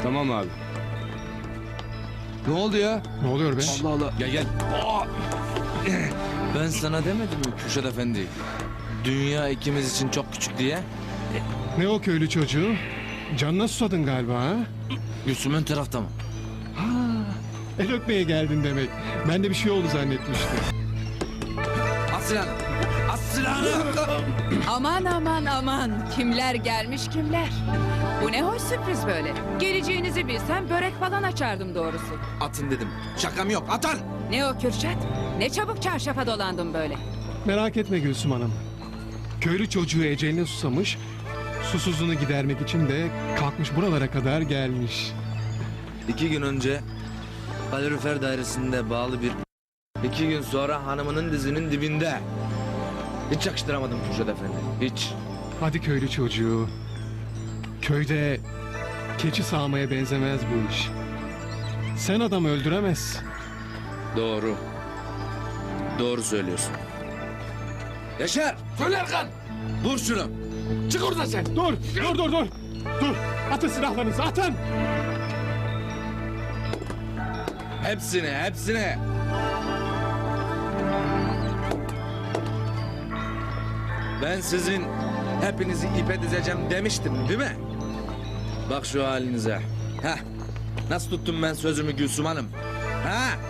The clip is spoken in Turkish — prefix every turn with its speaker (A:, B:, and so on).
A: Tamam abi. Ne oldu ya?
B: Ne oluyor be?
A: Allah Allah.
C: Gel gel. Ben sana demedim mi Kürşat Efendi? Dünya ikimiz için çok küçük diye.
B: Ne o köylü çocuğu? Canına susadın galiba ha?
C: Gülsüm ön tarafta mı?
B: El öpmeye geldin demek. Ben de bir şey oldu zannetmiştim.
C: At silahını. At silahını.
D: Aman aman aman. Kimler gelmiş kimler. Bu ne hoş sürpriz böyle. Geleceğinizi bilsem börek falan açardım doğrusu.
C: Atın dedim. Şakam yok. Atan.
D: Ne o Kürşat? Ne çabuk çarşafa dolandım böyle.
B: Merak etme Gülsüm Hanım. Köylü çocuğu eceline susamış, susuzluğunu gidermek için de kalkmış buralara kadar gelmiş.
C: 2 gün önce kalorifer dairesinde bağlı bir... 2 gün sonra hanımının dizinin dibinde. Hiç yakıştıramadım Kürşat Efendi. Hiç.
B: Hadi köylü çocuğu. Köyde keçi sağmaya benzemez bu iş. Sen adam öldüremezsin.
C: Doğru. Doğru söylüyorsun. Yaşar! Söyle Erkan! Vur şunu! Çık oradan sen!
B: Dur. Dur. Atın silahlarınızı, atın.
C: Hepsine! Ben sizin hepinizi ipe dizeceğim demiştim değil mi? Bak şu halinize. Heh. Nasıl tuttum ben sözümü Gülsüm Hanım? Ha?